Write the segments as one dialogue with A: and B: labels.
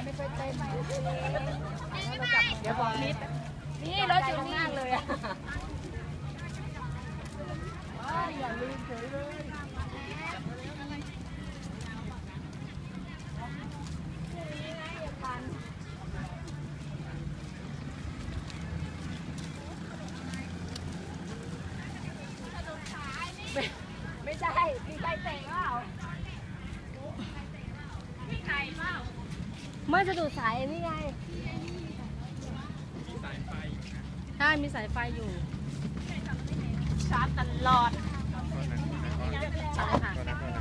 A: ไม่เคยเต้นเดี๋ยวบอกนิดนี่รถอยู่นี่เลยอ่ะอย่าลืมเฉยเลยไม่ใช่มีใครเตะเปล่ามีใครเปล่าเมื่อจะดูสายนี่ไงสายไฟใช่มีสายไฟอยู่ชาร์จตลอดใช่ค่ะ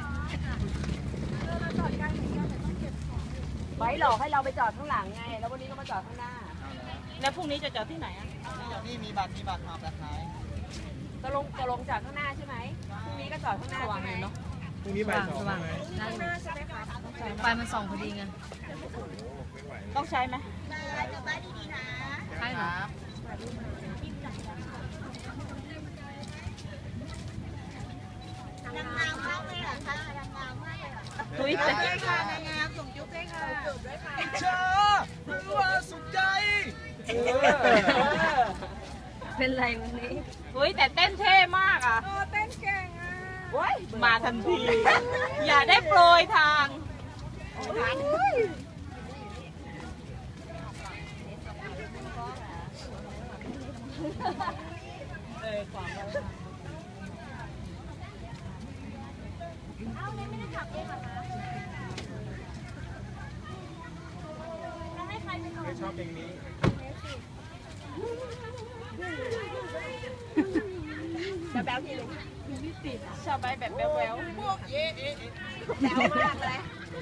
A: ไว้หลอกให้เราไปจอดข้างหลังไงแล้ววันนี้เรามาจอดข้างหน้าแล้วพรุ่งนี้จะจอดที่ไหนอ่ะ
B: นี่มีบัตรมาแบบไหน
A: ก็ลงจอดข้างหน้าใช่ไหมพรุ่งนี้ก็จอดข้างหน้าใช่ไหมเนาะ
C: พรุ่งนี้บ่าย 2ไหม
A: ไฟมันส่องพอดีไงต้องใช้ไหมใช่เหรอ
D: นางงามมากเลยเหรอคะนางงามมากเลยเหรอ
A: คุย
D: ด้วยค่ะนางงามส่งยุบด้วยค่ะจุบด้วยค่ะ
B: เชื่อหรือว่าสุขใจ
A: เป็นไรวันนี้เฮ้ยแต่เต้นเท่มากอ่ะ
D: เต้นเก่งอ่ะ
A: มาทันทีอย่าได้โปรยทาง
D: เอาเลยไม่ได้ขับเองเหรอคะต้องให้ใครไปก่อน
C: ไม่ชอบเพลงนี้
A: แบ๊วทีเลยชอบไปแบบแบ๊ว
B: พวกเอ๊ะ
A: แบ๊วมากเลย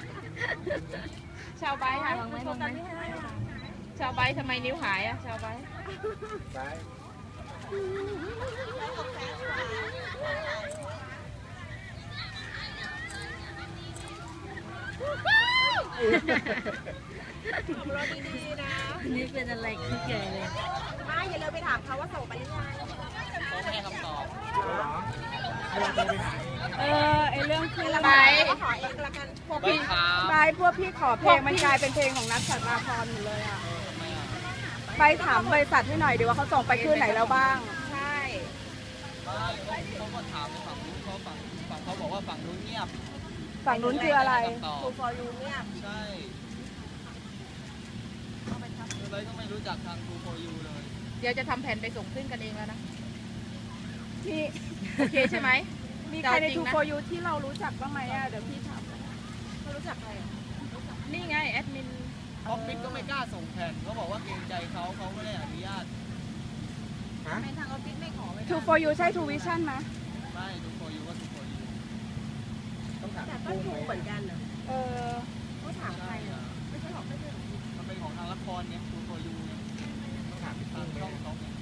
A: ชาวใบค่ะชาวใบทำไมนิ้วหายอ่ะชาวใบ
D: รถดีๆนะ
A: นี่เป็นอะไรขี้เกียจเลย
D: ไม่อย่าเลยไปถามเขาว่าส่งไปยังไง
B: เขาไม่ให้คำตอบ
A: ไอเรื่องคือ
D: ไปขอเองละกัน
A: พวกพี่ขอเพลงมันกลายเป็นเพลงของนัทสัตมาพรหมดเลยอ่ะไปถามบริษัทให้หน่อยดีว่าเขาส่งไปขึ้นไหนแล้วบ้าง
D: ใช่
B: เขาก็ถามในฝั่งนู้นฝั่งเขาบอกว่าฝั่งนู้นเงียบ
A: ฝั่งนู้นคืออะไร
D: ทูฟอร์ยูเงียบ
B: ใช่เลยก็ไม่รู้จักทางทูฟอร์ยูเลย
A: เดี๋ยวจะทำแผนไปส่งขึ้นกันเองแล้วนะพี่โอเคใช่ไหมมีใครในทูฟอร์ยูที่เรารู้จักบ้างไหมอ่ะเดี๋ยวพี่ถาม
D: เขารู้จักใคร
A: นี่ไงแอดมิน
B: ออฟฟิศก็ไม่กล้าส่งแผ่นเขาบอกว่าเกรงใจเขาไม่ได้อนุญาต
D: ในทางออฟฟิศไม่ขอไว้
A: ทูฟอร์ยูใช่ทูวิชั่นไหม
B: ไม่ทูฟอร์ยูก็ทูฟอร์ยู
D: แต่ก็ทูเหมือนกันเหรอเขาถามใครไม่ใช่หรอกไม่ใช่หรอก
B: มันเป็นของทางละครเนี่ยทูฟอร์ยูเนี่ยต้องถามทางช่องเขาเนี่ย